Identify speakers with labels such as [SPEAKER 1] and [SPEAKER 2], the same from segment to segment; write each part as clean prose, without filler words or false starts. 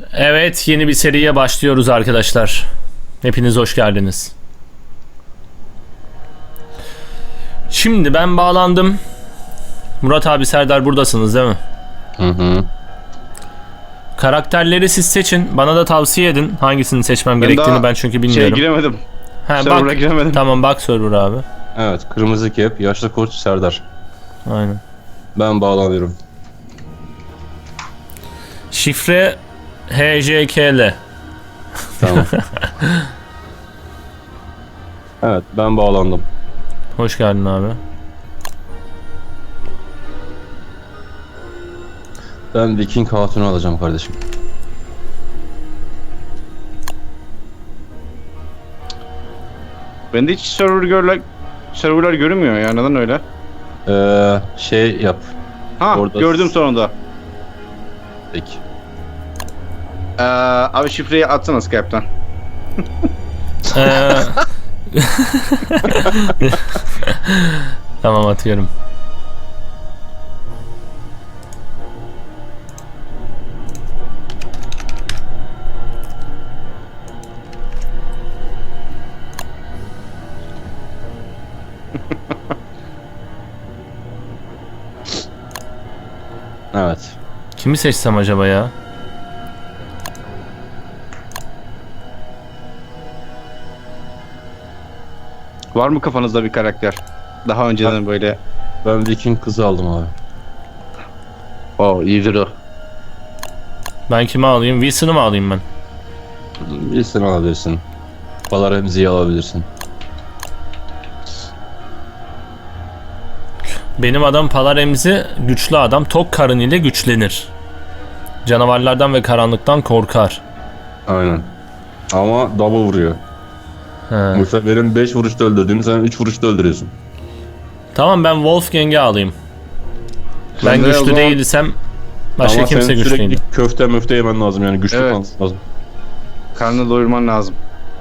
[SPEAKER 1] Evet, yeni bir seriye başlıyoruz arkadaşlar. Hepiniz hoş geldiniz. Şimdi ben bağlandım. Murat abi, Serdar buradasınız değil mi?
[SPEAKER 2] Hı.
[SPEAKER 1] Karakterleri siz seçin. Bana da tavsiye edin hangisini seçmem gerektiğini, ben çünkü bilmiyorum.
[SPEAKER 2] Giremedim.
[SPEAKER 1] Ha,
[SPEAKER 2] Server'a
[SPEAKER 1] bak.
[SPEAKER 2] giremedim.
[SPEAKER 1] Tamam, bak server abi.
[SPEAKER 2] Evet, kırmızı kep, yaşlı koç Serdar.
[SPEAKER 1] Aynen.
[SPEAKER 2] Ben bağlanıyorum.
[SPEAKER 1] Şifre HJKL.
[SPEAKER 2] Tamam. Evet, ben bağlandım.
[SPEAKER 1] Hoş geldin abi.
[SPEAKER 2] Ben Viking Hatun'u alacağım kardeşim.
[SPEAKER 3] Bende hiç serverlar görünmüyor ya, neden öyle?
[SPEAKER 2] Şey yap.
[SPEAKER 3] Ha,
[SPEAKER 2] Orada-
[SPEAKER 3] gördüm sonunda.
[SPEAKER 2] Peki.
[SPEAKER 3] Abi şifreyi atsana Skype'tan.
[SPEAKER 1] Ee, Tamam, atıyorum.
[SPEAKER 2] Evet.
[SPEAKER 1] Kimi seçsem acaba ya?
[SPEAKER 3] Var mı kafanızda bir karakter? Daha önceden böyle.
[SPEAKER 2] Ben Viking kızı aldım abi.
[SPEAKER 3] İyidir o.
[SPEAKER 1] Ben kimi alayım? Wilson'ı mı alayım ben?
[SPEAKER 2] Bilsin alabilirsin. Balar Remzi'yi alabilirsin.
[SPEAKER 1] Benim adam Palaremzi güçlü adam. Tok karın ile güçlenir. Canavarlardan ve karanlıktan korkar.
[SPEAKER 2] Aynen. Ama double vuruyor.
[SPEAKER 1] He.
[SPEAKER 2] Mesela benim 5 vuruşta öldürdüğümü sen 3 vuruşta öldürüyorsun.
[SPEAKER 1] Tamam, ben Wolfgang'i alayım. Ben
[SPEAKER 3] Sen de o
[SPEAKER 1] güçlü
[SPEAKER 3] zaman-
[SPEAKER 1] değilsem başka
[SPEAKER 2] Ama
[SPEAKER 1] kimse
[SPEAKER 2] senin
[SPEAKER 1] güçlü
[SPEAKER 2] sürekli
[SPEAKER 1] değil.
[SPEAKER 2] köfte möfte yemen lazım, yani güçlü
[SPEAKER 3] Evet.
[SPEAKER 2] kalması lazım.
[SPEAKER 3] Karnını doyurman lazım.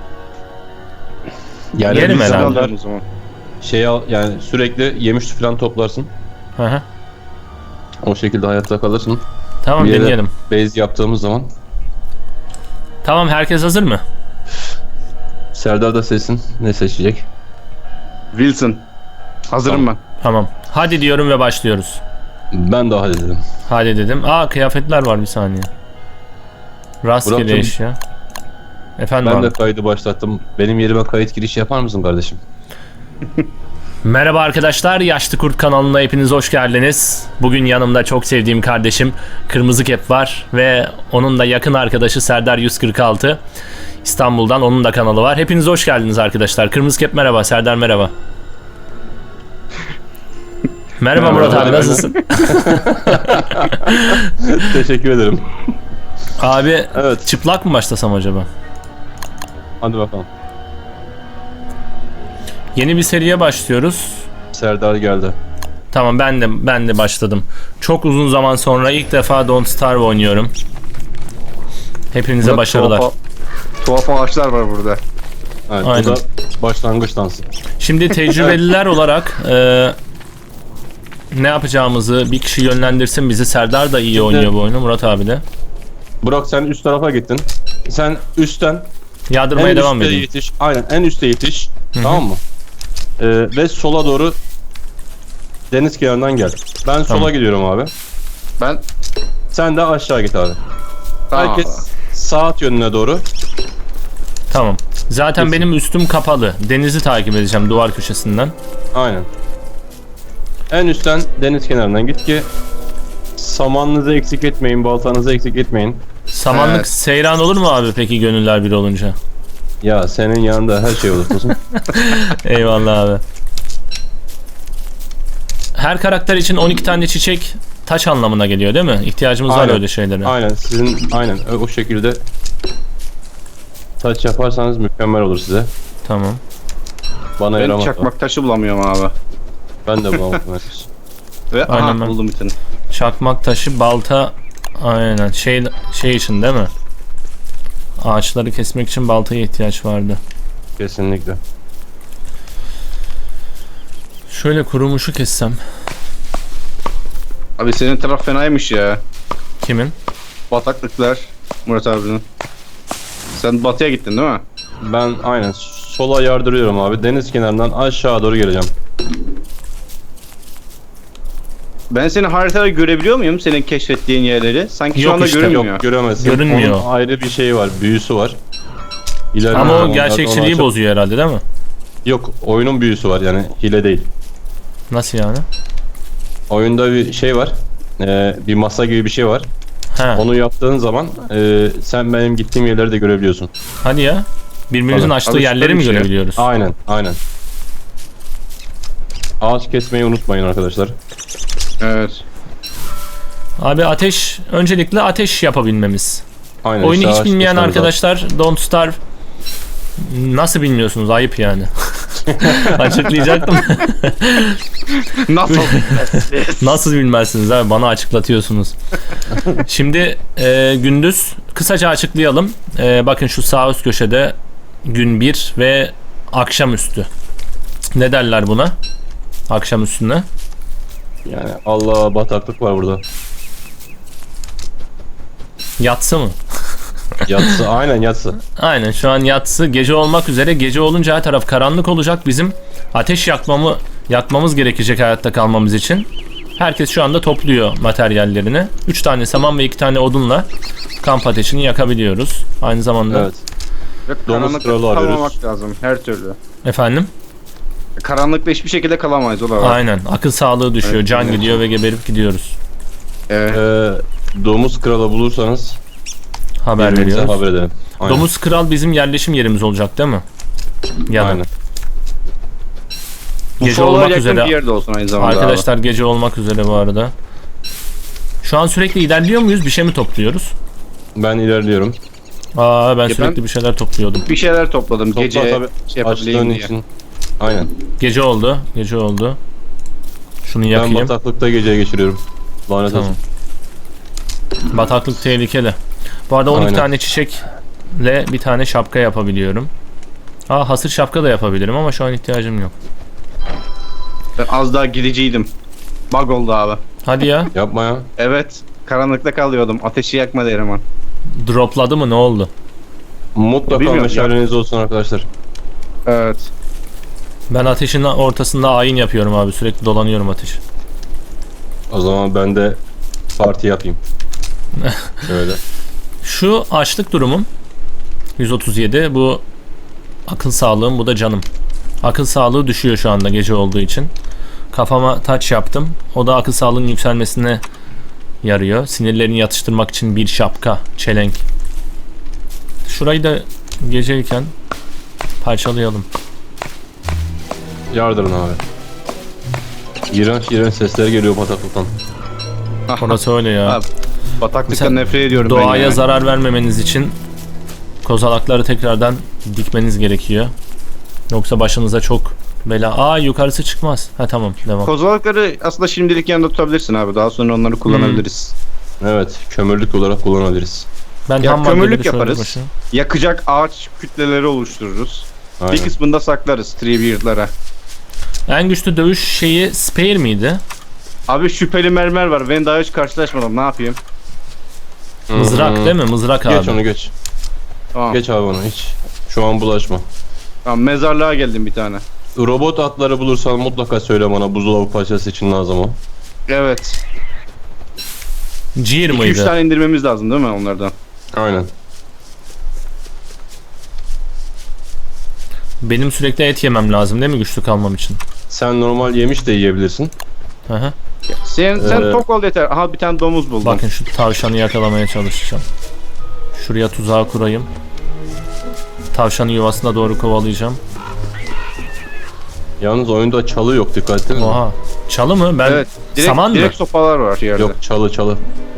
[SPEAKER 2] Yani
[SPEAKER 1] Yerim
[SPEAKER 2] bir
[SPEAKER 1] herhalde.
[SPEAKER 2] zamanlar
[SPEAKER 3] Alıyorum o zaman.
[SPEAKER 2] şey al, yani sürekli yemiş falan toplarsın.
[SPEAKER 1] Hı hı.
[SPEAKER 2] O şekilde hayatta kalırsın.
[SPEAKER 1] Tamam,
[SPEAKER 2] Bir yere
[SPEAKER 1] deneyelim.
[SPEAKER 2] base yaptığımız zaman
[SPEAKER 1] Tamam, herkes hazır mı?
[SPEAKER 2] Serdar da seçsin. Ne seçecek?
[SPEAKER 3] Wilson. Hazırım ben.
[SPEAKER 1] Tamam. Hadi diyorum ve başlıyoruz.
[SPEAKER 2] Ben daha dedim.
[SPEAKER 1] Hadi dedim. Kıyafetler var, bir saniye. Rastgele
[SPEAKER 2] Burak'cığım,
[SPEAKER 1] eşya. Efendim
[SPEAKER 2] Ben
[SPEAKER 1] abi.
[SPEAKER 2] de kaydı başlattım. Benim yerime kayıt girişi yapar mısın kardeşim?
[SPEAKER 1] Merhaba arkadaşlar, Yaşlı Kurt kanalına hepiniz hoş geldiniz. Bugün yanımda çok sevdiğim kardeşim Kırmızı Kep var ve onun da yakın arkadaşı Serdar 146. İstanbul'dan, onun da kanalı var. Hepiniz hoş geldiniz arkadaşlar. Kırmızı Kep merhaba, Serdar merhaba. Merhaba Murat abi, nasılsın?
[SPEAKER 2] Teşekkür ederim.
[SPEAKER 1] Abi,
[SPEAKER 2] Evet.
[SPEAKER 1] çıplak mı başlasam acaba?
[SPEAKER 2] Hadi bakalım.
[SPEAKER 1] Yeni bir seriye başlıyoruz.
[SPEAKER 2] Serdar geldi.
[SPEAKER 1] Tamam, ben de başladım. Çok uzun zaman sonra ilk defa Don't Starve oynuyorum. Hepinize
[SPEAKER 3] Burada
[SPEAKER 1] başarılar.
[SPEAKER 3] Tuhaf ağaçlar var burada.
[SPEAKER 2] Evet,
[SPEAKER 1] Aynen.
[SPEAKER 2] bu da başlangıç dansı.
[SPEAKER 1] Şimdi tecrübeliler olarak ne yapacağımızı bir kişi yönlendirsin bizi. Serdar da iyi oynuyor bu oyunu, Murat abi de.
[SPEAKER 2] Burak, sen üst tarafa gittin. Sen üstten
[SPEAKER 1] Yardırmaya
[SPEAKER 2] en
[SPEAKER 1] devam
[SPEAKER 2] üste
[SPEAKER 1] edeyim.
[SPEAKER 2] yetiş. Aynen, en üste yetiş. Tamam mı? Ve sola doğru deniz kenarından gel. Ben sola
[SPEAKER 1] Tamam.
[SPEAKER 2] gidiyorum abi.
[SPEAKER 3] Ben
[SPEAKER 2] Sen de aşağı git abi.
[SPEAKER 3] Tamam.
[SPEAKER 2] Herkes saat yönüne doğru.
[SPEAKER 1] Tamam. Zaten
[SPEAKER 2] Kesin.
[SPEAKER 1] benim üstüm kapalı. Denizi takip edeceğim duvar köşesinden.
[SPEAKER 2] Aynen. En üstten deniz kenarından git ki samanınızı eksik etmeyin, baltanızı eksik etmeyin.
[SPEAKER 1] Samanlık
[SPEAKER 3] Evet.
[SPEAKER 1] seyran olur mu abi peki gönüller bir olunca?
[SPEAKER 2] Ya senin yanında her şey olur kuzum.
[SPEAKER 1] Eyvallah abi. Her karakter için 12 tane çiçek taş anlamına geliyor değil mi? İhtiyacımız var
[SPEAKER 2] Aynen.
[SPEAKER 1] öyle şeylere.
[SPEAKER 2] Aynen, sizin o şekilde taç yaparsanız mükemmel olur size.
[SPEAKER 1] Tamam.
[SPEAKER 2] Bana
[SPEAKER 3] ben
[SPEAKER 2] yaramaz.
[SPEAKER 3] çakmak taşı bulamıyorum abi.
[SPEAKER 2] Ben de bulamadım.
[SPEAKER 3] Ve
[SPEAKER 1] Aynen ben.
[SPEAKER 3] buldum bir tane.
[SPEAKER 1] Çakmak taşı, balta, aynen şey için değil mi? Ağaçları kesmek için baltaya ihtiyaç vardı.
[SPEAKER 2] Kesinlikle.
[SPEAKER 1] Şöyle kurumuşu kessem.
[SPEAKER 3] Abi senin taraf fenaymış ya.
[SPEAKER 1] Kimin?
[SPEAKER 3] Bataklıklar. Murat abinin. Sen batıya gittin değil mi?
[SPEAKER 2] Ben aynen sola yardırıyorum abi. Deniz kenarından aşağı doğru geleceğim.
[SPEAKER 3] Ben seni haritada görebiliyor muyum? Senin keşfettiğin yerleri. Sanki şu
[SPEAKER 1] Yok
[SPEAKER 3] anda
[SPEAKER 1] işte,
[SPEAKER 3] görünmüyor.
[SPEAKER 2] Yok göremezsin.
[SPEAKER 1] Görünmüyor.
[SPEAKER 2] Onun ayrı bir şeyi var. Büyüsü var. İleride
[SPEAKER 1] Ama o
[SPEAKER 2] zamanlarda
[SPEAKER 1] gerçekçiliği
[SPEAKER 2] onu
[SPEAKER 1] bozuyor herhalde değil mi?
[SPEAKER 2] Yok, oyunun büyüsü var yani hile değil.
[SPEAKER 1] Nasıl yani?
[SPEAKER 2] Oyunda bir şey var. Bir masa gibi bir şey var.
[SPEAKER 1] He.
[SPEAKER 2] Onu yaptığın zaman sen benim gittiğim yerleri de görebiliyorsun.
[SPEAKER 1] Hadi ya. Birbirimizin
[SPEAKER 2] Tabii.
[SPEAKER 1] açtığı
[SPEAKER 3] Abi
[SPEAKER 1] yerleri
[SPEAKER 3] süper
[SPEAKER 1] mi
[SPEAKER 3] bir şey.
[SPEAKER 1] görebiliyoruz?
[SPEAKER 2] Aynen, aynen. Ağaç kesmeyi unutmayın arkadaşlar.
[SPEAKER 3] Evet.
[SPEAKER 1] Abi ateş, öncelikle ateş yapabilmemiz.
[SPEAKER 2] Aynen.
[SPEAKER 1] Oyunu
[SPEAKER 2] işte
[SPEAKER 1] hiç
[SPEAKER 2] ağaç
[SPEAKER 1] bilmeyen
[SPEAKER 2] kesmemiz lazım.
[SPEAKER 1] arkadaşlar Don't Starve nasıl bilmiyorsunuz? Ayıp yani. Açıklayacaktım.
[SPEAKER 3] Nasıl?
[SPEAKER 1] Nasıl bilmezsiniz abi? Bana açıklatıyorsunuz. Şimdi gündüz kısaca açıklayalım. Bakın şu sağ üst köşede gün 1 ve akşamüstü. Ne derler buna? Akşam üstüne.
[SPEAKER 2] Yani Allah, bataklık var burada.
[SPEAKER 1] Yatsı mı?
[SPEAKER 2] Yatsı, aynen yatsı.
[SPEAKER 1] Aynen, şu an yatsı gece olmak üzere. Gece olunca her taraf karanlık olacak. Bizim ateş yakmamız gerekecek hayatta kalmamız için. Herkes şu anda topluyor materyallerini. 3 tane saman ve 2 tane odunla kamp ateşini yakabiliyoruz. Aynı zamanda
[SPEAKER 2] Evet. Domuz kralı arıyoruz.
[SPEAKER 3] Kalmamak lazım her türlü.
[SPEAKER 1] efendim.
[SPEAKER 3] Karanlıkta hiçbir şekilde kalamayız o da var.
[SPEAKER 1] Aynen, akıl sağlığı düşüyor.
[SPEAKER 3] Evet,
[SPEAKER 1] Can
[SPEAKER 3] evet.
[SPEAKER 1] gidiyor ve geberip gidiyoruz.
[SPEAKER 3] Evet.
[SPEAKER 2] Domuz kralı bulursanız
[SPEAKER 1] Haber
[SPEAKER 2] birbirimize
[SPEAKER 1] veriyoruz.
[SPEAKER 2] haber edelim. Aynen.
[SPEAKER 1] Domuz Kral bizim yerleşim yerimiz olacak değil mi? Ya da
[SPEAKER 2] Aynen.
[SPEAKER 1] gece
[SPEAKER 3] Ufalar
[SPEAKER 1] olmak
[SPEAKER 3] yakın
[SPEAKER 1] üzere.
[SPEAKER 3] bir yerde olsun aynı zamanda.
[SPEAKER 1] Arkadaşlar gece olmak üzere bu arada. Şu an sürekli ilerliyor muyuz? Bir şey mi topluyoruz?
[SPEAKER 2] Ben ilerliyorum.
[SPEAKER 1] Aa, ben
[SPEAKER 3] ben-
[SPEAKER 1] sürekli bir şeyler topluyordum.
[SPEAKER 3] Abi. Bir şeyler topladım
[SPEAKER 2] Topla
[SPEAKER 3] gece
[SPEAKER 2] tabii,
[SPEAKER 3] şey
[SPEAKER 2] açtığın
[SPEAKER 3] yapabileyim diye.
[SPEAKER 2] için. Aynen.
[SPEAKER 1] Gece oldu. Gece oldu. Şunu
[SPEAKER 2] Ben
[SPEAKER 1] yakayım.
[SPEAKER 2] bataklıkta geceyi geçiriyorum. Lanet
[SPEAKER 1] Tamam.
[SPEAKER 2] olsun.
[SPEAKER 1] Bataklık tehlikeli. Bu arada 12
[SPEAKER 2] Aynen.
[SPEAKER 1] tane çiçekle bir tane şapka yapabiliyorum. Aa, hasır şapka da yapabilirim ama şu an ihtiyacım yok.
[SPEAKER 3] Ben az daha gidiciydim. Bug oldu abi.
[SPEAKER 1] Hadi ya.
[SPEAKER 2] Yapma ya.
[SPEAKER 3] Evet. Karanlıkta kalıyordum. Ateşi yakmadı Erman.
[SPEAKER 1] Dropladı mı, ne oldu?
[SPEAKER 2] Mutlaka
[SPEAKER 3] Bilmiyorum,
[SPEAKER 2] meşaleniz olsun arkadaşlar.
[SPEAKER 3] Evet.
[SPEAKER 1] Ben ateşin ortasında ayin yapıyorum abi. Sürekli dolanıyorum ateş.
[SPEAKER 2] O zaman ben de parti yapayım. Şöyle.
[SPEAKER 1] Şu açlık durumum 137. Bu akıl sağlığım, bu da canım. Akıl sağlığı düşüyor şu anda gece olduğu için. Kafama taç yaptım. O da akıl sağlığının yükselmesine yarıyor. Sinirlerini yatıştırmak için bir şapka, çelenk. Şurayı da geceyken parçalayalım.
[SPEAKER 2] Yardırın abi. İğrenç iğrenç sesler geliyor bataklıktan.
[SPEAKER 1] Orası öyle ya.
[SPEAKER 3] Abi, bataklıktan
[SPEAKER 1] Mesela
[SPEAKER 3] nefret ediyorum ben
[SPEAKER 1] Doğaya
[SPEAKER 3] ya.
[SPEAKER 1] zarar vermemeniz için kozalakları tekrardan dikmeniz gerekiyor. Yoksa başınıza çok bela. Aa, yukarısı çıkmaz. Ha tamam, devam.
[SPEAKER 3] Kozalakları aslında şimdilik yanında tutabilirsin abi. Daha sonra onları kullanabiliriz.
[SPEAKER 2] Evet, kömürlük olarak kullanabiliriz.
[SPEAKER 1] Ben
[SPEAKER 3] Ya
[SPEAKER 1] ham maddeleri
[SPEAKER 3] kömürlük
[SPEAKER 1] şöyle
[SPEAKER 3] yaparız.
[SPEAKER 1] başına-
[SPEAKER 3] Yakacak ağaç kütleleri oluştururuz.
[SPEAKER 2] Aynen.
[SPEAKER 3] Bir kısmını da saklarız Treebeard'lara.
[SPEAKER 1] En güçlü dövüş şeyi Spear miydi?
[SPEAKER 3] Abi şüpheli mermer var. Ben daha hiç karşılaşmadım. Ne yapayım?
[SPEAKER 1] Mızrak değil mi? Mızrak abi.
[SPEAKER 2] Geç onu geç.
[SPEAKER 3] Tamam.
[SPEAKER 2] Geç abi onu hiç. Şu an bulaşma.
[SPEAKER 3] Tamam, mezarlığa geldim bir tane.
[SPEAKER 2] Robot atları bulursan mutlaka söyle bana, buzdolabı parçası için lazım o.
[SPEAKER 3] Evet.
[SPEAKER 1] Gear
[SPEAKER 3] 2-3
[SPEAKER 1] mıydı?
[SPEAKER 3] tane indirmemiz lazım değil mi onlardan?
[SPEAKER 2] Aynen.
[SPEAKER 1] Benim sürekli et yemem lazım değil mi güçlü kalmam için?
[SPEAKER 2] Sen normal yemiş de yiyebilirsin.
[SPEAKER 1] Hı hı.
[SPEAKER 3] Sen tok ol yeter. Aha bir tane domuz buldum.
[SPEAKER 1] Bakın şu tavşanı yakalamaya çalışacağım. Şuraya tuzağı kurayım. Tavşanı yuvasına doğru kovalayacağım.
[SPEAKER 2] Yalnız oyunda çalı yok, dikkat ettin mi?
[SPEAKER 1] Oha. Çalı mı? Ben
[SPEAKER 3] Evet.
[SPEAKER 1] saman mı?
[SPEAKER 3] Direkt sopalar var yerde.
[SPEAKER 2] Yok, çalı.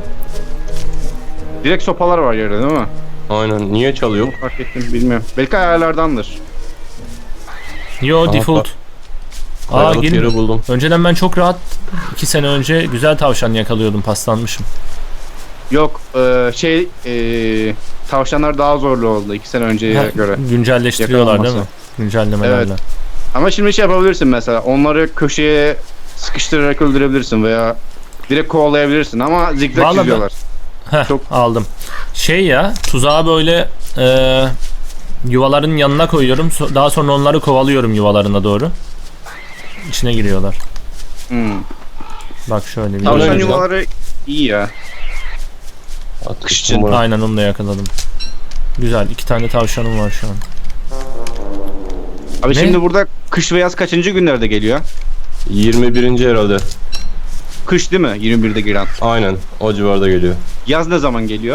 [SPEAKER 3] Direkt sopalar var yerde değil mi?
[SPEAKER 2] Aynen. Niye çalı yok?
[SPEAKER 3] Fark ettim bilmiyorum. Belki ayarlardandır.
[SPEAKER 1] Yo,
[SPEAKER 2] Aha,
[SPEAKER 1] default. Aa,
[SPEAKER 2] Kayalık
[SPEAKER 1] gelin.
[SPEAKER 2] yeri buldum.
[SPEAKER 1] Önceden ben çok rahat 2 sene önce güzel tavşan yakalıyordum, paslanmışım.
[SPEAKER 3] Yok tavşanlar daha zorlu oldu 2 sene önceye
[SPEAKER 1] Ha,
[SPEAKER 3] göre.
[SPEAKER 1] güncelleştiriyorlar değil mi?
[SPEAKER 3] Yakalanması.
[SPEAKER 1] Güncellemelerle.
[SPEAKER 3] Evet. Ama şimdi şey yapabilirsin mesela. Onları köşeye sıkıştırarak öldürebilirsin veya direkt kovalayabilirsin ama zigzag
[SPEAKER 1] Vallahi
[SPEAKER 3] çiziyorlar.
[SPEAKER 1] Heh,
[SPEAKER 3] Çok-
[SPEAKER 1] aldım. Şey ya, tuzağı böyle yuvaların yanına koyuyorum. Daha sonra onları kovalıyorum yuvalarına doğru. İçine giriyorlar.
[SPEAKER 3] Hmm.
[SPEAKER 1] Bak şöyle bir.
[SPEAKER 2] Tamam.
[SPEAKER 3] Tavşan
[SPEAKER 2] güzel.
[SPEAKER 3] yuvaları iyi ya. Kış için.
[SPEAKER 1] Aynen onu da yakaladım. Güzel. 2 tane tavşanım var şu an.
[SPEAKER 3] Abi
[SPEAKER 1] Ne?
[SPEAKER 3] şimdi burada kış ve yaz kaçıncı günlerde geliyor?
[SPEAKER 2] 21. herhalde.
[SPEAKER 3] Kış değil mi? 21'de giren.
[SPEAKER 2] Aynen o civarda geliyor.
[SPEAKER 3] Yaz ne zaman geliyor?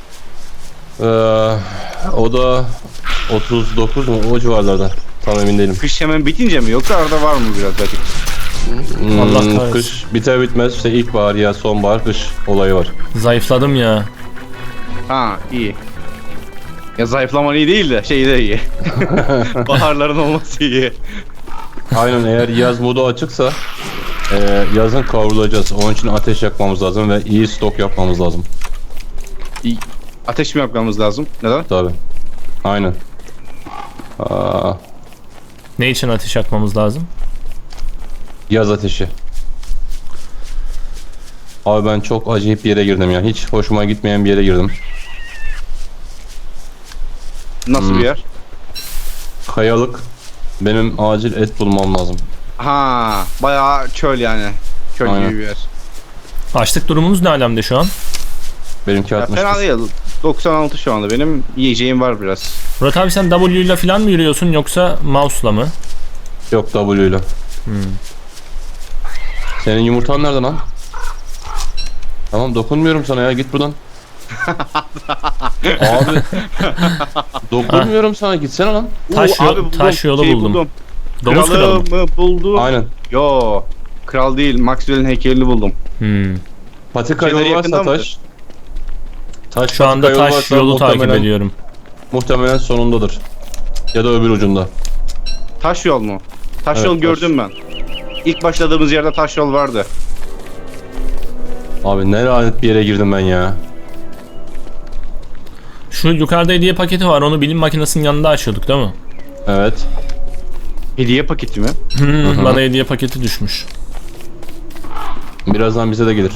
[SPEAKER 2] O da 39 mu o civarlarda. Tam emin değilim.
[SPEAKER 3] Kış hemen bitince mi yoksa arada var mı biraz vakit?
[SPEAKER 1] Allah kahretsin.
[SPEAKER 2] Kış biter bitmez işte ilkbahar ya sonbahar kış olayı var.
[SPEAKER 1] Zayıfladım ya.
[SPEAKER 3] Ha iyi. Ya zayıflaman iyi değil de şey de iyi. Baharların olması iyi.
[SPEAKER 2] Aynen eğer yaz modu açıksa yazın kavrulacağız. Onun için ateş yakmamız lazım ve iyi stok yapmamız lazım.
[SPEAKER 3] Ateş mi yapmamız lazım? Neden?
[SPEAKER 2] Tabi. Aynen. Aa,
[SPEAKER 1] Ne için ateş yakmamız lazım?
[SPEAKER 2] yaz ateşi. Abi ben çok acayip bir yere girdim ya. Hiç hoşuma gitmeyen bir yere girdim.
[SPEAKER 3] Nasıl bir yer?
[SPEAKER 2] Kayalık. Benim acil et bulmam lazım.
[SPEAKER 3] Ha, bayağı çöl yani. Çöl
[SPEAKER 2] Aynen.
[SPEAKER 3] gibi bir yer.
[SPEAKER 1] Açlık durumunuz ne alemde şu an?
[SPEAKER 2] Benimki
[SPEAKER 3] Ya
[SPEAKER 2] 60.
[SPEAKER 3] fena değil. 96 şu anda. Benim yiyeceğim var biraz.
[SPEAKER 1] Murat abi sen W ile falan mı yürüyorsun yoksa mouse'la mı?
[SPEAKER 2] Yok W ile. Senin yumurtan nerede lan? Tamam dokunmuyorum sana ya git buradan. Abi dokunmuyorum sana gitsene lan.
[SPEAKER 1] Taş yolu buldum. Domuz kralı mı?
[SPEAKER 3] Kralımı buldum.
[SPEAKER 2] Aynen.
[SPEAKER 3] Yo. Kral değil. Maxwell'in heykelini buldum.
[SPEAKER 2] Patika
[SPEAKER 3] Şeyleri
[SPEAKER 2] yolu
[SPEAKER 3] yakında
[SPEAKER 2] varsa
[SPEAKER 3] mıdır?
[SPEAKER 2] taş. Taş
[SPEAKER 1] Şu anda
[SPEAKER 2] patika
[SPEAKER 1] taş
[SPEAKER 2] varsa
[SPEAKER 1] yolu takip
[SPEAKER 2] muhtemelen-
[SPEAKER 1] ediyorum.
[SPEAKER 2] Muhtemelen sonundadır. Ya da öbür ucunda.
[SPEAKER 3] Taş yol mu? Taş
[SPEAKER 2] Evet,
[SPEAKER 3] yol
[SPEAKER 2] taş.
[SPEAKER 3] gördüm ben. İlk başladığımız yerde taş yol vardı.
[SPEAKER 2] Abi ne lanet bir yere girdim ben ya.
[SPEAKER 1] Şu yukarıda hediye paketi var. Onu bilim makinesinin yanında açıyorduk değil mi?
[SPEAKER 2] Evet.
[SPEAKER 3] Hediye paketi mi?
[SPEAKER 1] Bana hediye paketi düşmüş.
[SPEAKER 2] Birazdan bize de gelir.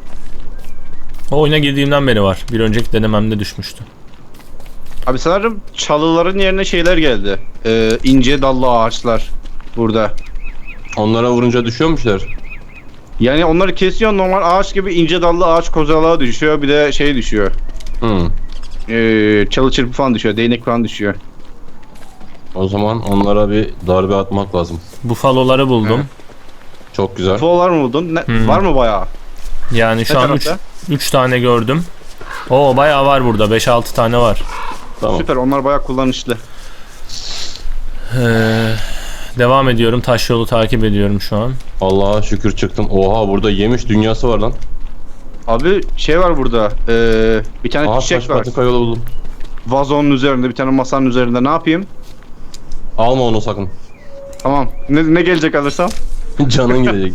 [SPEAKER 1] O oyuna girdiğimden beri var. Bir önceki denememde düşmüştü.
[SPEAKER 3] Abi sanırım çalıların yerine şeyler geldi. İnce dallı ağaçlar burada.
[SPEAKER 2] Onlara vurunca düşüyormuşlar.
[SPEAKER 3] Yani onları kesiyor normal ağaç gibi ince dallı ağaç kozalağı düşüyor. Bir de şey düşüyor. Çalı çırpı falan düşüyor. Değnek falan düşüyor.
[SPEAKER 2] O zaman onlara bir darbe atmak lazım.
[SPEAKER 1] Bufaloları buldum.
[SPEAKER 2] Çok güzel.
[SPEAKER 3] Folar mı buldun? Var mı bayağı?
[SPEAKER 1] Yani şu
[SPEAKER 3] Ne
[SPEAKER 1] an
[SPEAKER 3] tarafta?
[SPEAKER 1] 3 tane gördüm. Oo bayağı var burada. 5-6 tane var.
[SPEAKER 2] Tamam.
[SPEAKER 3] Süper, onlar bayağı kullanışlı.
[SPEAKER 1] Devam ediyorum. Taş yolu takip ediyorum şu an.
[SPEAKER 2] Allah'a şükür çıktım. Oha burada yemiş dünyası var lan.
[SPEAKER 3] Abi şey var burada. Bir tane
[SPEAKER 2] Aha taş
[SPEAKER 3] çiçek var.
[SPEAKER 2] patika yolu buldum.
[SPEAKER 3] Vazonun üzerinde, bir tane masanın üzerinde. Ne yapayım?
[SPEAKER 2] Alma onu sakın.
[SPEAKER 3] Tamam. Ne gelecek alırsam?
[SPEAKER 2] Canın gidecek.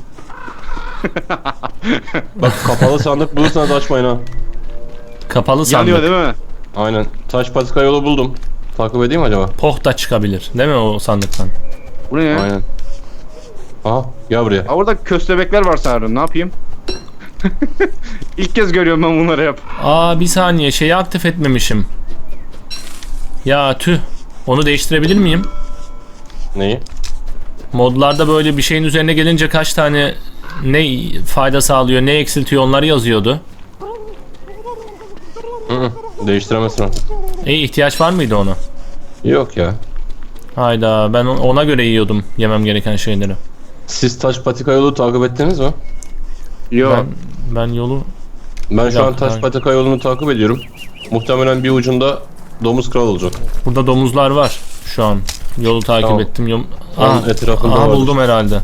[SPEAKER 2] Bak kapalı sandık bulursanız açmayın ha.
[SPEAKER 1] Kapalı
[SPEAKER 3] Yanıyor
[SPEAKER 1] sandık.
[SPEAKER 3] değil mi?
[SPEAKER 2] Aynen. Taş patika yolu buldum. Takip edeyim mi acaba?
[SPEAKER 1] Poh da çıkabilir. Değil mi o sandıktan?
[SPEAKER 3] Bu ne ya?
[SPEAKER 2] Aynen. Aha gel buraya.
[SPEAKER 3] Aa, orada köstebekler var sanırım. Ne yapayım? İlk kez görüyorum ben bunları hep.
[SPEAKER 1] Aa bir saniye şeyi aktif etmemişim. Ya tüh. Onu değiştirebilir miyim?
[SPEAKER 2] Neyi?
[SPEAKER 1] Modlarda böyle bir şeyin üzerine gelince kaç tane ne fayda sağlıyor, ne eksiltiyor onları yazıyordu.
[SPEAKER 2] Değiştiremezsin artık.
[SPEAKER 1] İhtiyaç var mıydı ona?
[SPEAKER 2] Yok ya.
[SPEAKER 1] Hayda ben ona göre yiyordum yemem gereken şeyleri.
[SPEAKER 2] Siz taş patika yolu takip ettiniz mi?
[SPEAKER 3] Yok.
[SPEAKER 1] Ben yolu
[SPEAKER 2] Ben şu an
[SPEAKER 1] dakika,
[SPEAKER 2] taş patika yolunu takip ediyorum. Muhtemelen bir ucunda domuz kral olacak.
[SPEAKER 1] burada domuzlar var şu an. Yolu takip
[SPEAKER 2] Tamam.
[SPEAKER 1] ettim.
[SPEAKER 2] Onun etrafında
[SPEAKER 1] aha
[SPEAKER 2] vardır.
[SPEAKER 1] buldum herhalde.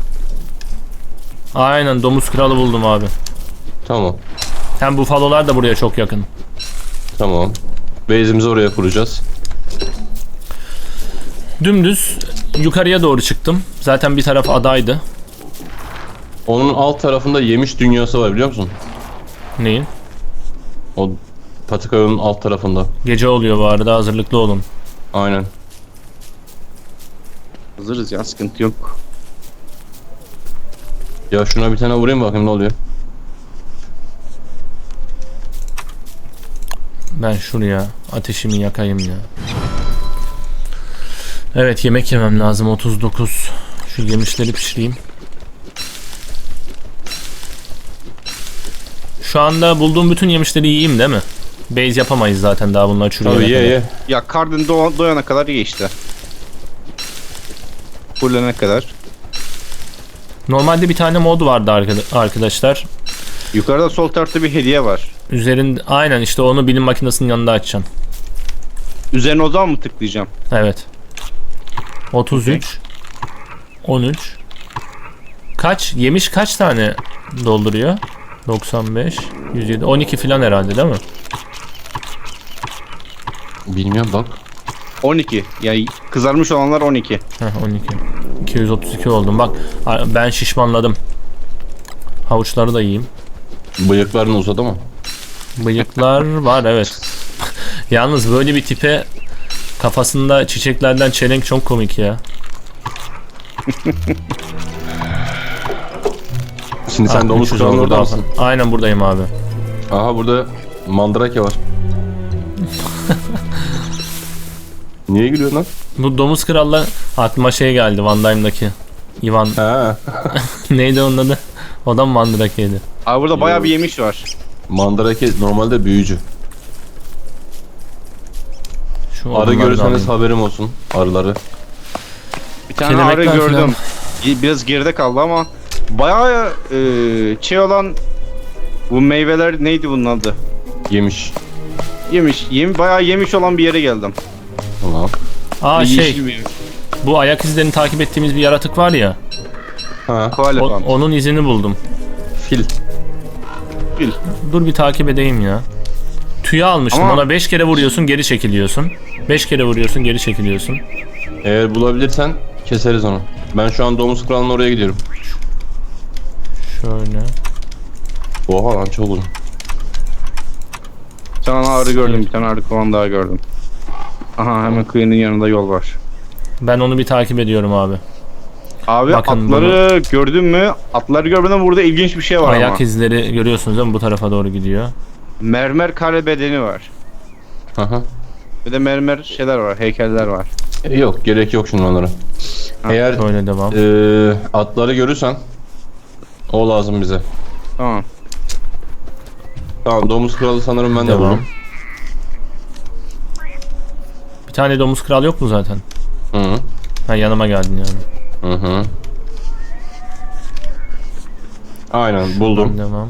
[SPEAKER 1] Aynen domuz kralı buldum abi.
[SPEAKER 2] Tamam.
[SPEAKER 1] Hem bufalolar da buraya çok yakın.
[SPEAKER 2] Tamam. Base'imizi oraya kuracağız.
[SPEAKER 1] Dümdüz yukarıya doğru çıktım. Zaten bir taraf adaydı.
[SPEAKER 2] Onun alt tarafında yemiş dünyası var biliyor musun?
[SPEAKER 1] Neyin?
[SPEAKER 2] O patika yolunun alt tarafında.
[SPEAKER 1] Gece oluyor bu arada hazırlıklı olun.
[SPEAKER 2] Aynen.
[SPEAKER 3] Hazırız ya, sıkıntı yok.
[SPEAKER 2] Ya şuna bir tane vurayım bakayım ne oluyor.
[SPEAKER 1] Ben şuraya ateşimi yakayım ya. Evet, yemek yemem lazım. 39. Şu yemişleri pişireyim. Şu anda bulduğum bütün yemişleri yiyeyim değil mi? Base yapamayız zaten daha bunlar çürüyene
[SPEAKER 2] Tabii
[SPEAKER 1] kadar.
[SPEAKER 2] ye.
[SPEAKER 3] Ya karnın doyana kadar ye işte. Fullene kadar.
[SPEAKER 1] Normalde bir tane mod vardı arkadaşlar.
[SPEAKER 3] Yukarıda sol tarafta bir hediye var.
[SPEAKER 1] Üzerinde aynen işte onu bilim makinesinin yanında açacağım.
[SPEAKER 3] Üzerine o zaman mı tıklayacağım?
[SPEAKER 1] Evet. 33 13 Kaç? Yemiş kaç tane dolduruyor? 95 107 12 filan herhalde değil mi?
[SPEAKER 2] Bilmiyorum bak.
[SPEAKER 3] 12. Yani kızarmış olanlar 12.
[SPEAKER 1] Heh, 12 232 oldum bak, ben şişmanladım. Havuçları da yiyeyim.
[SPEAKER 2] Bıyıkların uzadı mı?
[SPEAKER 1] Bıyıklar var evet. Yalnız böyle bir tipe kafasında çiçeklerden çelenk çok komik ya.
[SPEAKER 2] Şimdi sen domuz
[SPEAKER 1] 300
[SPEAKER 2] kralının
[SPEAKER 1] oldu
[SPEAKER 2] orada
[SPEAKER 1] daha
[SPEAKER 2] mısın?
[SPEAKER 1] fazla. Aynen buradayım abi.
[SPEAKER 2] Aha burada mandrake var. Niye gülüyorsun lan?
[SPEAKER 1] Bu domuz kralla aklıma şey geldi, Van Dyne'daki Ivan.
[SPEAKER 2] Ha.
[SPEAKER 1] Neydi onun adı? O da mı Mandrakeydi?
[SPEAKER 3] Abi burada bayağı
[SPEAKER 2] Yok.
[SPEAKER 3] bir yemiş var.
[SPEAKER 2] Mandrake normalde büyücü.
[SPEAKER 1] Şu
[SPEAKER 2] Arı
[SPEAKER 1] odunları da
[SPEAKER 2] görürseniz
[SPEAKER 1] alayım.
[SPEAKER 2] haberim olsun. Arıları.
[SPEAKER 3] Bir tane arı
[SPEAKER 1] Kelebekler
[SPEAKER 3] gördüm. Biraz geride kaldı ama bayağı şey olan bu meyveler neydi bunun adı?
[SPEAKER 2] Yemiş.
[SPEAKER 3] Bayağı yemiş olan bir yere geldim.
[SPEAKER 2] Tamam.
[SPEAKER 1] Aa
[SPEAKER 3] Bir
[SPEAKER 1] şey,
[SPEAKER 3] yeşil bir
[SPEAKER 1] bu ayak izlerini takip ettiğimiz bir yaratık var ya.
[SPEAKER 2] Ha.
[SPEAKER 3] koalefant.
[SPEAKER 1] Onun izini buldum.
[SPEAKER 2] Fil.
[SPEAKER 1] Dur bir takip edeyim ya. Tüye almıştım.
[SPEAKER 3] Ama-
[SPEAKER 1] Ona 5 kere vuruyorsun, geri çekiliyorsun. 5 kere vuruyorsun, geri çekiliyorsun.
[SPEAKER 2] Eğer bulabilirsen keseriz onu. Ben şu an domuz kralının oraya gidiyorum.
[SPEAKER 1] Şöyle.
[SPEAKER 2] Oha lan çok uzun.
[SPEAKER 3] Bir tane arı gördüm, bir tane arı kovan daha gördüm. Aha hemen kıyının yanında yol var.
[SPEAKER 1] Ben onu bir takip ediyorum abi.
[SPEAKER 3] Abi
[SPEAKER 1] Bakın
[SPEAKER 3] atları gördün mü? Atları görmeden burada ilginç bir şey var
[SPEAKER 1] Ayak
[SPEAKER 3] ama.
[SPEAKER 1] izleri görüyorsunuz değil mi? Bu tarafa doğru gidiyor.
[SPEAKER 3] Mermer kare bedeni var.
[SPEAKER 2] Aha.
[SPEAKER 3] Bir de mermer şeyler var, heykeller var.
[SPEAKER 2] Yok gerek yok şimdi onlara.
[SPEAKER 3] Ha,
[SPEAKER 2] Eğer
[SPEAKER 1] Böyle devam.
[SPEAKER 2] atları görürsen o lazım bize.
[SPEAKER 3] Tamam.
[SPEAKER 2] Tamam domuz kralı sanırım ben de
[SPEAKER 1] Devam.
[SPEAKER 2] buldum.
[SPEAKER 1] Bir tane domuz kral yok mu zaten?
[SPEAKER 2] Hı hı.
[SPEAKER 1] Ha, yanıma geldin yani.
[SPEAKER 2] Hı hı. Aynen buldum.
[SPEAKER 1] Devam.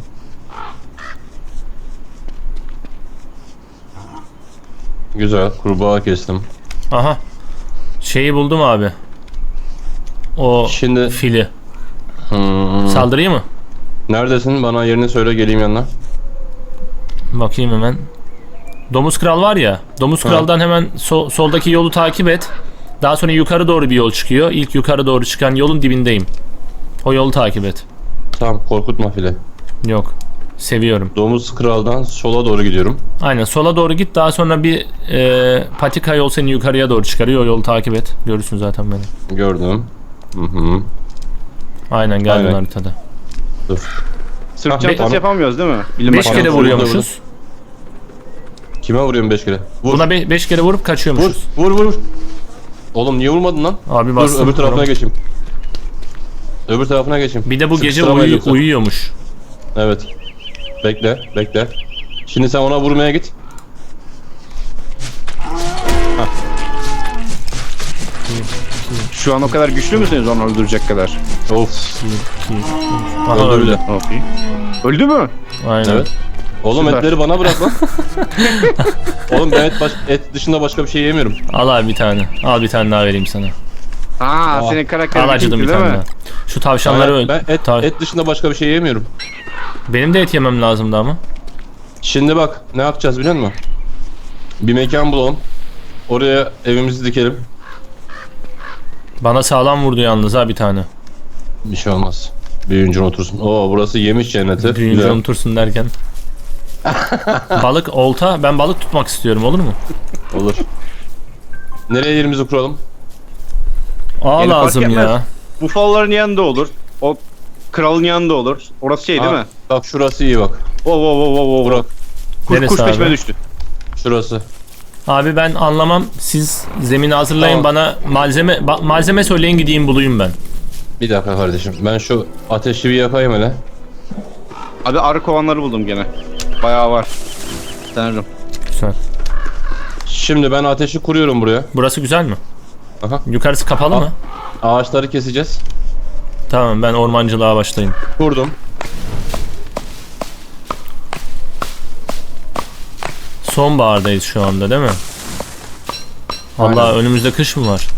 [SPEAKER 2] Güzel kurbağa kestim.
[SPEAKER 1] Aha. Şeyi buldum abi. O
[SPEAKER 2] Şimdi
[SPEAKER 1] fili.
[SPEAKER 2] hı,
[SPEAKER 1] Saldırayım mı?
[SPEAKER 2] neredesin? Bana yerini söyle geleyim yanına.
[SPEAKER 1] Bakayım hemen. Domuz kral var ya. Domuz
[SPEAKER 2] Ha.
[SPEAKER 1] kraldan hemen soldaki yolu takip et. Daha sonra yukarı doğru bir yol çıkıyor. İlk yukarı doğru çıkan yolun dibindeyim. O yolu takip et.
[SPEAKER 2] Tamam korkutma file.
[SPEAKER 1] Yok. Seviyorum.
[SPEAKER 2] Domuz kraldan sola doğru gidiyorum.
[SPEAKER 1] Aynen sola doğru git. Daha sonra bir patika yol seni yukarıya doğru çıkarıyor. O yolu takip et. Görürsün zaten beni.
[SPEAKER 2] Gördüm. Hı hı.
[SPEAKER 1] Aynen geldin
[SPEAKER 2] Aynen.
[SPEAKER 1] haritada.
[SPEAKER 2] Dur.
[SPEAKER 3] Sırt
[SPEAKER 2] Ha,
[SPEAKER 3] çantası
[SPEAKER 2] bana-
[SPEAKER 3] yapamıyoruz değil mi? Bilim
[SPEAKER 1] 5
[SPEAKER 2] bana
[SPEAKER 1] kere
[SPEAKER 2] vurdu,
[SPEAKER 1] vuruyormuşuz.
[SPEAKER 2] Kime vuruyorum 5 kere? Vur.
[SPEAKER 1] Buna 5 kere vurup
[SPEAKER 2] Vur.
[SPEAKER 1] kaçıyormuşuz.
[SPEAKER 2] Vur. Oğlum niye vurmadın lan?
[SPEAKER 1] Abi
[SPEAKER 2] Dur
[SPEAKER 1] bastım.
[SPEAKER 2] öbür tarafına geçeyim. Öbür tarafına geçeyim.
[SPEAKER 1] Bir de bu gece
[SPEAKER 2] Sıkıştıramayız yoksa.
[SPEAKER 1] uyuyormuş.
[SPEAKER 2] Evet. Bekle. Şimdi sen ona vurmaya git.
[SPEAKER 3] Şu an o kadar güçlü müsünüz onu öldürecek kadar?
[SPEAKER 2] Of.
[SPEAKER 1] 2, 3. Aha
[SPEAKER 2] Öldü
[SPEAKER 1] öldü.
[SPEAKER 2] bile.
[SPEAKER 3] Okey. Öldü mü?
[SPEAKER 1] Aynen.
[SPEAKER 2] Evet. Oğlum
[SPEAKER 3] Süper.
[SPEAKER 2] etleri bana bırak lan. Oğlum ben et dışında başka bir şey yemiyorum.
[SPEAKER 1] Al abi bir tane. Al bir tane daha vereyim sana.
[SPEAKER 3] Aa, senin karakterin
[SPEAKER 1] Al acıdım bir
[SPEAKER 3] değil
[SPEAKER 1] tane
[SPEAKER 3] mi?
[SPEAKER 1] daha. Şu tavşanları öl.
[SPEAKER 2] Ben et dışında başka bir şey yemiyorum.
[SPEAKER 1] Benim de et yemem lazımdı ama.
[SPEAKER 2] Şimdi bak ne yapacağız biliyor musun? Bir mekan bulalım. Oraya evimizi dikelim.
[SPEAKER 1] Bana sağlam vurdu yalnız ha bir tane.
[SPEAKER 2] Bir şey olmaz. Büyüyünce otursun. Oo burası yemiş cenneti.
[SPEAKER 1] Büyüyünce
[SPEAKER 2] Güzel.
[SPEAKER 1] unutursun derken. Balık, olta. Ben balık tutmak istiyorum, olur mu?
[SPEAKER 2] Olur. Nereye yerimizi kuralım?
[SPEAKER 1] Ağ
[SPEAKER 3] Yani fark
[SPEAKER 1] lazım
[SPEAKER 3] etmez.
[SPEAKER 1] ya.
[SPEAKER 3] Bufalların yanında olur. O kralın yanında olur. Orası şey değil
[SPEAKER 2] Aa,
[SPEAKER 3] mi?
[SPEAKER 2] Bak şurası iyi bak.
[SPEAKER 3] Oo.
[SPEAKER 2] Burak.
[SPEAKER 3] Kuş
[SPEAKER 1] Neresi
[SPEAKER 3] peşime
[SPEAKER 1] abi?
[SPEAKER 3] düştü.
[SPEAKER 2] Şurası.
[SPEAKER 1] Abi ben anlamam. Siz zemini hazırlayın,
[SPEAKER 2] Tamam.
[SPEAKER 1] bana malzeme söyleyin, gideyim bulayım ben.
[SPEAKER 2] Bir dakika kardeşim. Ben şu ateşi bir yakayım hele.
[SPEAKER 3] Abi arı kovanları buldum gene. Bayağı var. Tanrım.
[SPEAKER 1] Güzel.
[SPEAKER 2] Şimdi ben ateşi kuruyorum buraya.
[SPEAKER 1] Burası güzel mi?
[SPEAKER 2] Aha.
[SPEAKER 1] Yukarısı kapalı mı?
[SPEAKER 2] Ağaçları keseceğiz.
[SPEAKER 1] Tamam, ben ormancılığa başlayayım.
[SPEAKER 2] Kurdum.
[SPEAKER 1] Sonbahardayız şu anda değil mi?
[SPEAKER 2] Aynen.
[SPEAKER 1] Allah, önümüzde kış mı var?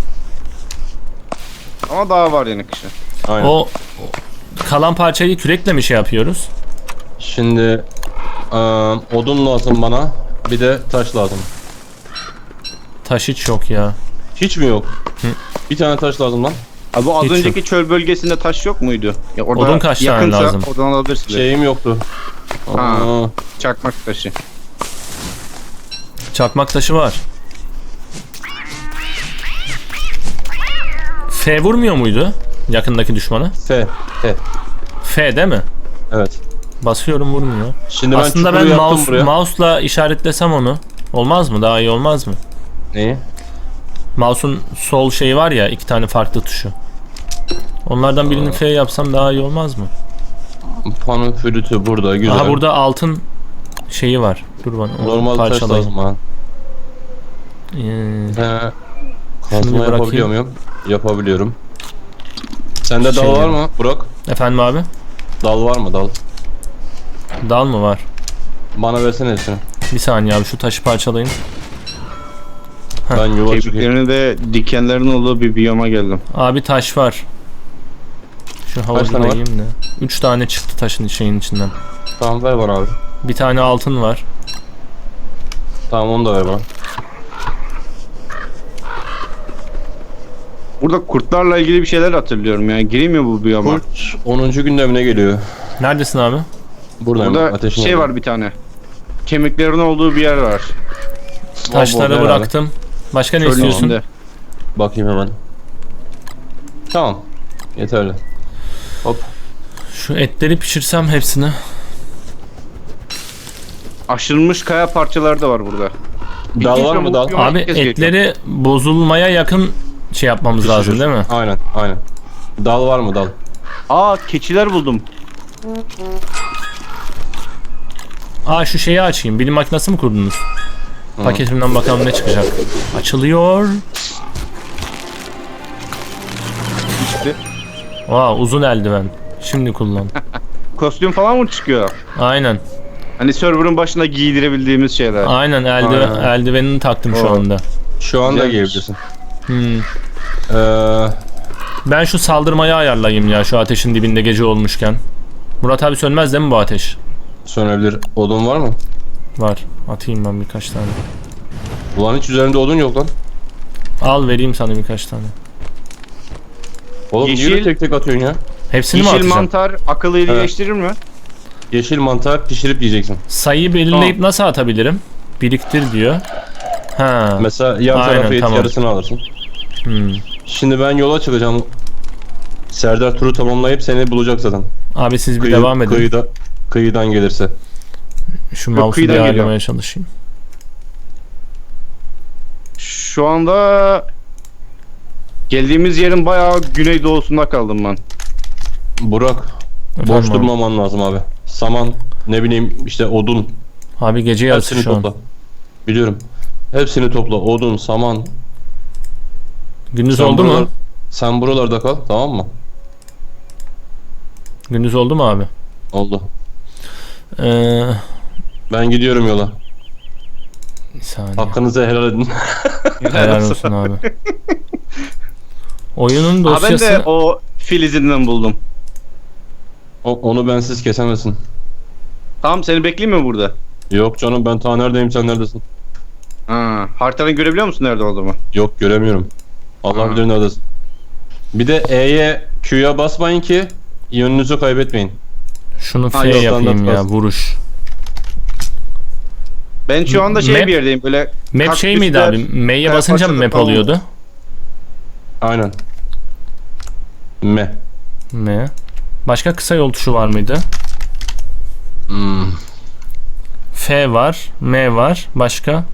[SPEAKER 3] Ama daha var yine kışın.
[SPEAKER 2] Aynen.
[SPEAKER 1] O kalan parçayı kürekle mi şey yapıyoruz?
[SPEAKER 2] Şimdi odun lazım bana. Bir de taş lazım.
[SPEAKER 1] Taş hiç yok ya.
[SPEAKER 2] Hiç mi yok?
[SPEAKER 1] Hı.
[SPEAKER 2] Bir tane taş lazım lan.
[SPEAKER 3] Abi bu az
[SPEAKER 1] Hiç
[SPEAKER 3] önceki çöl bölgesinde taş yok muydu? Ya orada
[SPEAKER 1] Odun kaç tane
[SPEAKER 3] yakınsa
[SPEAKER 1] lazım?
[SPEAKER 3] oradan alabilirsin.
[SPEAKER 2] Şeyim yoktu.
[SPEAKER 3] Ha.
[SPEAKER 2] Aa,
[SPEAKER 3] Çakmak taşı.
[SPEAKER 1] Çakmak taşı var. F vurmuyor muydu yakındaki düşmana?
[SPEAKER 2] F.
[SPEAKER 1] F değil mi?
[SPEAKER 2] Evet.
[SPEAKER 1] Basıyorum, vurmuyor.
[SPEAKER 2] Şimdi
[SPEAKER 1] Aslında
[SPEAKER 2] ben
[SPEAKER 1] ben
[SPEAKER 2] çukuru yaptım buraya.
[SPEAKER 1] mouse'la işaretlesem onu. Olmaz mı? Daha iyi olmaz mı?
[SPEAKER 2] Neyi?
[SPEAKER 1] Mouse'un sol şeyi var ya, 2 tane farklı tuşu. Onlardan birini F yapsam daha iyi olmaz mı?
[SPEAKER 2] Pano flütü burada güzel.
[SPEAKER 1] Aha, burada altın şeyi var. Dur bana. onu
[SPEAKER 2] Normal taş
[SPEAKER 1] parçalayayım.
[SPEAKER 2] lazım ha. Kazma
[SPEAKER 1] bırakayım.
[SPEAKER 2] yapabiliyor muyum? Yapabiliyorum. Sende
[SPEAKER 1] Şey
[SPEAKER 2] dal var
[SPEAKER 1] yani.
[SPEAKER 2] mı Burak?
[SPEAKER 1] Efendim abi?
[SPEAKER 2] Dal var mı dal?
[SPEAKER 1] Dal mı var?
[SPEAKER 2] Bana versene hepsini.
[SPEAKER 1] Bir saniye abi, şu taşı parçalayın. Heh.
[SPEAKER 2] Ben yuva çıkayım.
[SPEAKER 3] Kemiklerini de dikenlerin olduğu bir biyoma geldim.
[SPEAKER 1] Abi taş var. Şu havuzu
[SPEAKER 2] tane
[SPEAKER 1] da
[SPEAKER 2] var?
[SPEAKER 1] yiyeyim de. 3 tane çıktı taşın şeyin içinden.
[SPEAKER 2] Tamam ver bana abi.
[SPEAKER 1] Bir tane altın var.
[SPEAKER 2] Tamam onu da ver bana.
[SPEAKER 3] Burada kurtlarla ilgili bir şeyler hatırlıyorum ya. Gireyim mi bu biyoma?
[SPEAKER 2] Kurt 10. gündemine geliyor.
[SPEAKER 1] Neredesin abi?
[SPEAKER 2] Buradayım.
[SPEAKER 3] Burada
[SPEAKER 2] ateşin
[SPEAKER 3] şey
[SPEAKER 2] yanında.
[SPEAKER 3] var bir tane. Kemiklerin olduğu bir yer var.
[SPEAKER 1] Taşları
[SPEAKER 2] herhalde.
[SPEAKER 1] bıraktım. Başka ne
[SPEAKER 3] Çölün
[SPEAKER 1] istiyorsun?
[SPEAKER 3] içinde.
[SPEAKER 2] Bakayım hemen. Tamam. Yeterli. Hop.
[SPEAKER 1] Şu etleri pişirsem hepsini.
[SPEAKER 3] Aşırılmış kaya parçaları da var burada.
[SPEAKER 2] Dal var mı dal?
[SPEAKER 3] Yok,
[SPEAKER 1] Abi
[SPEAKER 3] herkes
[SPEAKER 1] etleri bozulmaya yakın şey yapmamız lazım değil mi?
[SPEAKER 2] Aynen aynen. Dal var mı dal?
[SPEAKER 3] Aa, keçiler buldum.
[SPEAKER 1] Aa, şu şeyi açayım. Bilim makinesi mi kurdunuz?
[SPEAKER 2] Hı.
[SPEAKER 1] Paketimden bakalım ne çıkacak. Açılıyor.
[SPEAKER 3] İşte.
[SPEAKER 1] Aa, uzun eldiven. Şimdi kullan.
[SPEAKER 3] Kostüm falan mı çıkıyor?
[SPEAKER 1] Aynen.
[SPEAKER 3] Hani server'ın başına giydirebildiğimiz şeyler.
[SPEAKER 1] Aynen,
[SPEAKER 2] Aynen.
[SPEAKER 1] eldivenini taktım şu
[SPEAKER 3] Oo.
[SPEAKER 1] anda.
[SPEAKER 2] Şu anda
[SPEAKER 3] Güzelmiş.
[SPEAKER 2] giyebilirsin.
[SPEAKER 1] Hmm.
[SPEAKER 2] Ee,
[SPEAKER 1] Ben şu saldırmayı ayarlayayım ya, şu ateşin dibinde gece olmuşken. Murat abi, sönmez değil mi bu ateş?
[SPEAKER 2] sönebilir. Odun var mı?
[SPEAKER 1] Var. Atayım ben birkaç tane.
[SPEAKER 2] Ulan hiç üzerinde odun yok lan.
[SPEAKER 1] Al, vereyim sana birkaç tane.
[SPEAKER 2] Oğlum niye
[SPEAKER 3] Yeşil-
[SPEAKER 2] öyle tek tek atıyorsun ya?
[SPEAKER 1] Hepsini mi
[SPEAKER 3] Yeşil
[SPEAKER 1] atacağım?
[SPEAKER 3] mantar akıllı iyileştirir mi?
[SPEAKER 2] Yeşil mantar pişirip yiyeceksin.
[SPEAKER 1] Sayıyı belirleyip nasıl atabilirim? Biriktir diyor. Ha.
[SPEAKER 2] Mesela yan
[SPEAKER 1] Aynen,
[SPEAKER 2] tarafa et,
[SPEAKER 1] tamam.
[SPEAKER 2] yarısını alırsın.
[SPEAKER 1] Hmm.
[SPEAKER 2] Şimdi ben yola çıkacağım. Serdar turu tamamlayıp seni bulacak zaten.
[SPEAKER 1] Abi siz bir devam edin.
[SPEAKER 2] Kıyıdan gelirse.
[SPEAKER 1] Şu
[SPEAKER 3] Yok,
[SPEAKER 1] mouse'u bir
[SPEAKER 3] kıyıdan
[SPEAKER 1] ayarlamaya çalışayım.
[SPEAKER 3] Şu anda geldiğimiz yerin bayağı güneydoğusunda kaldım ben.
[SPEAKER 2] Burak, boş
[SPEAKER 1] Efendim abi.
[SPEAKER 2] durmaman lazım abi. Saman, ne bileyim işte odun.
[SPEAKER 1] Abi gece yarısı
[SPEAKER 2] Hepsini
[SPEAKER 1] şu an.
[SPEAKER 2] topla. Biliyorum. Hepsini topla. Odun, saman.
[SPEAKER 1] Gündüz
[SPEAKER 2] Sen
[SPEAKER 1] oldu mu?
[SPEAKER 2] buralar- Sen buralarda kal, tamam mı?
[SPEAKER 1] Gündüz oldu mu abi?
[SPEAKER 2] Oldu.
[SPEAKER 1] Ee,
[SPEAKER 2] Ben gidiyorum yola.
[SPEAKER 1] bir saniye.
[SPEAKER 2] Hakkınızı helal edin.
[SPEAKER 1] Helal olsun abi. Oyunun
[SPEAKER 3] Ha, ben
[SPEAKER 1] dosyası...
[SPEAKER 3] de o fil izinden buldum.
[SPEAKER 2] Onu bensiz kesemezsin.
[SPEAKER 3] Tamam, seni bekleyeyim mi burada?
[SPEAKER 2] Yok canım, ben ta neredeyim, sen neredesin?
[SPEAKER 3] Ha, haritanı görebiliyor musun nerede olduğumu?
[SPEAKER 2] Yok, göremiyorum. Allah
[SPEAKER 3] Ha.
[SPEAKER 2] bilir neredesin. Bir de E'ye, Q'ya basmayın ki yönünüzü kaybetmeyin.
[SPEAKER 1] Şunu
[SPEAKER 3] Ha,
[SPEAKER 1] F
[SPEAKER 3] yok,
[SPEAKER 1] yapayım
[SPEAKER 2] standart
[SPEAKER 1] ya,
[SPEAKER 2] bas.
[SPEAKER 1] vuruş.
[SPEAKER 3] Ben şu anda
[SPEAKER 1] Map-
[SPEAKER 3] bir yerdeyim böyle.
[SPEAKER 1] Map şey miydi
[SPEAKER 3] kaktüsler,
[SPEAKER 1] abi? M'ye
[SPEAKER 3] kaya
[SPEAKER 1] basınca mı
[SPEAKER 3] parçaları
[SPEAKER 1] map
[SPEAKER 3] falan
[SPEAKER 1] oluyordu?
[SPEAKER 2] Aynen. M.
[SPEAKER 1] M. Başka kısa yol tuşu var mıydı?
[SPEAKER 2] Hmm.
[SPEAKER 1] F var, M var. Başka?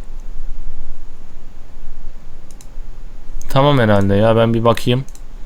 [SPEAKER 1] Tamam herhalde ya, ben bir bakayım.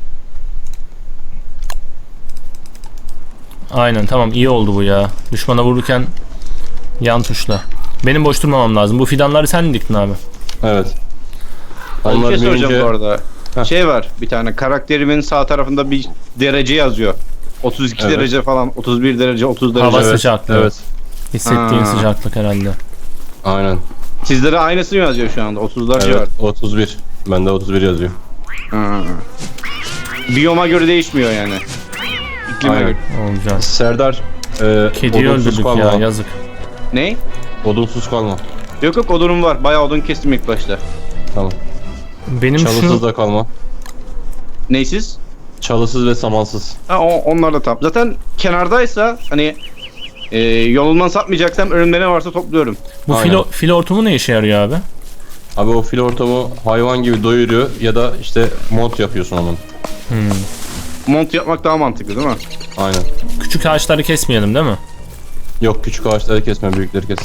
[SPEAKER 1] Aynen, tamam, iyi oldu bu ya. Düşmana vururken yan tuşla. Benim boş durmamam lazım. Bu fidanları sen mi diktin abi?
[SPEAKER 2] Evet.
[SPEAKER 3] Bir
[SPEAKER 2] Onlar
[SPEAKER 3] şey soracağım
[SPEAKER 2] büyüyünce-
[SPEAKER 3] bu arada.
[SPEAKER 2] Heh.
[SPEAKER 3] Şey var bir tane karakterimin sağ tarafında bir derece yazıyor. 32
[SPEAKER 2] Evet.
[SPEAKER 3] derece falan, 31 derece, 30 derece.
[SPEAKER 1] Hava
[SPEAKER 2] Evet,
[SPEAKER 1] sıcaklığı.
[SPEAKER 2] Evet.
[SPEAKER 1] Hissettiğin
[SPEAKER 3] Ha.
[SPEAKER 1] sıcaklık herhalde.
[SPEAKER 2] Aynen.
[SPEAKER 3] Sizlere aynısı mı yazıyor şu anda? 30'lar civarı.
[SPEAKER 2] Evet. 31. Bende 31 yazıyor.
[SPEAKER 3] Ha. Biyoma göre değişmiyor yani. İklime
[SPEAKER 2] Aynen.
[SPEAKER 3] göre.
[SPEAKER 1] Olacak.
[SPEAKER 2] Serdar,
[SPEAKER 1] Kediyi
[SPEAKER 2] odunsuz
[SPEAKER 1] öldürdük
[SPEAKER 2] kalma.
[SPEAKER 1] ya, yazık.
[SPEAKER 3] Ne?
[SPEAKER 2] Odunsuz kalma.
[SPEAKER 3] Yok yok, odunum var. Bayağı odun kestim ilk başta.
[SPEAKER 2] Tamam.
[SPEAKER 1] Benim
[SPEAKER 2] Çalısız
[SPEAKER 1] şu
[SPEAKER 2] da kalma.
[SPEAKER 3] Neysiz?
[SPEAKER 2] Çalısız ve samansız.
[SPEAKER 3] Ha, onlar da tam. Zaten kenardaysa hani yolundan sapmayacaksam önümde ne varsa topluyorum.
[SPEAKER 1] bu
[SPEAKER 2] Aynen.
[SPEAKER 1] fil hortumu ne işe yarıyor abi?
[SPEAKER 2] Abi o fil ortamı hayvan gibi doyuruyor ya da işte mont yapıyorsun onun.
[SPEAKER 3] Mont yapmak daha mantıklı değil mi?
[SPEAKER 2] Aynen.
[SPEAKER 1] Küçük ağaçları kesmeyelim değil mi?
[SPEAKER 2] Yok, küçük ağaçları kesme, büyükleri kes.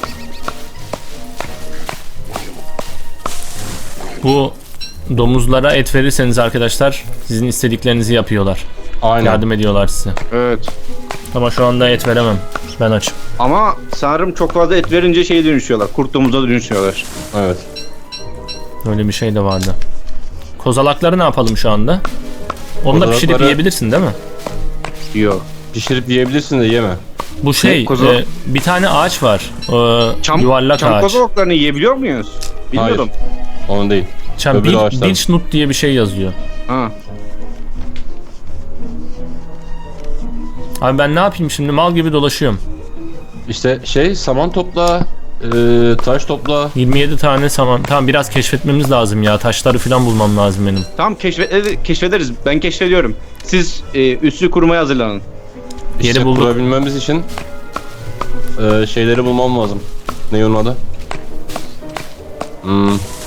[SPEAKER 1] Bu domuzlara et verirseniz arkadaşlar sizin istediklerinizi yapıyorlar.
[SPEAKER 2] Aynen.
[SPEAKER 1] Yardım ediyorlar size.
[SPEAKER 3] Evet.
[SPEAKER 1] Ama şu anda et veremem. Ben açım.
[SPEAKER 3] Ama sanırım çok fazla et verince şeye dönüşüyorlar. Kurt domuza dönüşüyorlar.
[SPEAKER 2] Evet.
[SPEAKER 1] Öyle bir şey de vardı. Kozalakları ne yapalım şu anda? Onu da pişirip
[SPEAKER 2] Kozalakları-
[SPEAKER 1] yiyebilirsin değil mi?
[SPEAKER 3] Yok.
[SPEAKER 2] Pişirip yiyebilirsin de yeme.
[SPEAKER 1] Bu şey,
[SPEAKER 3] kozalak?
[SPEAKER 1] bir tane ağaç var. Yuvarlak
[SPEAKER 3] Çam
[SPEAKER 1] ağaç.
[SPEAKER 3] kozalaklarını yiyebiliyor muyuz? Bilmiyordum.
[SPEAKER 2] Onun değil.
[SPEAKER 1] Çam,
[SPEAKER 2] öbür ağaçlar.
[SPEAKER 1] Beechnut diye bir şey yazıyor.
[SPEAKER 3] Ha.
[SPEAKER 1] Abi ben ne yapayım şimdi? Mal gibi dolaşıyorum.
[SPEAKER 2] İşte saman topla, taş topla.
[SPEAKER 1] 27 tane saman. Tamam, biraz keşfetmemiz lazım ya. Taşları falan bulmam lazım benim.
[SPEAKER 3] Tamam, keşfederiz. Ben keşfediyorum. Siz üssü kurmaya hazırlanın.
[SPEAKER 1] Yeri
[SPEAKER 2] İşte
[SPEAKER 1] bulduk.
[SPEAKER 2] kurabilmemiz için şeyleri bulmam lazım. Ne onun adı?